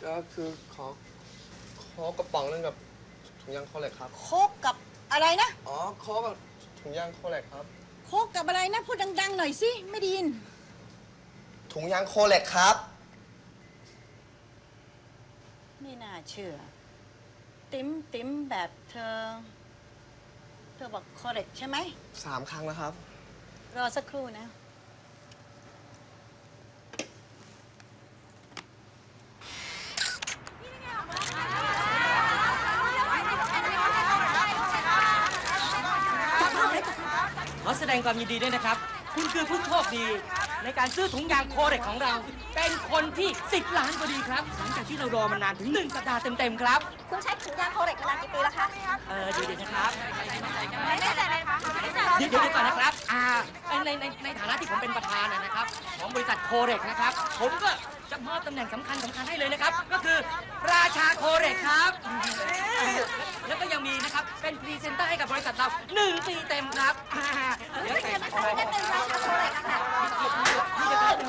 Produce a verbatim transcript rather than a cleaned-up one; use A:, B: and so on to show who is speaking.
A: ก็คือขอขอกระป๋องนึงกับถุงยางโคเล็กครับ
B: โคกกับอะไรนะ
A: อ๋อขอกับถุงยางโคเล็กครับ
B: โคกกับอะไรนะพูดดังๆหน่อยสิไม่ได้ยิน
A: ถุงยางโคเล็กครับ
B: ไม่น่าเชื่อติ๋มติ๋มแบบเธอเธอบอกโคเล็กใช่ไหม
A: สามครั้งแล้วครับ
B: รอสักครู่นะ
C: ขอแสดงความยินดีด้วยนะครับคุณคือผู้โชคดีในการซื้อถุงยางโคเร็กของเราเป็นคนที่สิบล้านพอดีครับหลังจากที่เรารอมานานถึงหนึ่งสัปดาห์เต็มๆครับ
D: คุณใช้ถุงยางโคเร็กมานานกี่ปีแล้วคะ
C: เออเดี๋ยวๆนะครับ
D: ไม่แน่ใจเลยค่ะ
C: เดี๋ยวๆก่อนนะครับอ่าในในในฐานะที่ผมเป็นประธานนะครับของบริษัทโคเร็กนะครับผมก็จะมอบตำแหน่งสำคัญสำคัญให้เลยนะครับก็คือราชาโคเร็กครับแล้วก็ยังมีนะครับเป็นพรีเซนเตอร์ให้กับบริษัทเราหนึ่งปีเต็มครับเดี๋ยวแต่
D: ไม่ใช่ไม่ใช่เป็นราชาโคเร็กอะค่ะ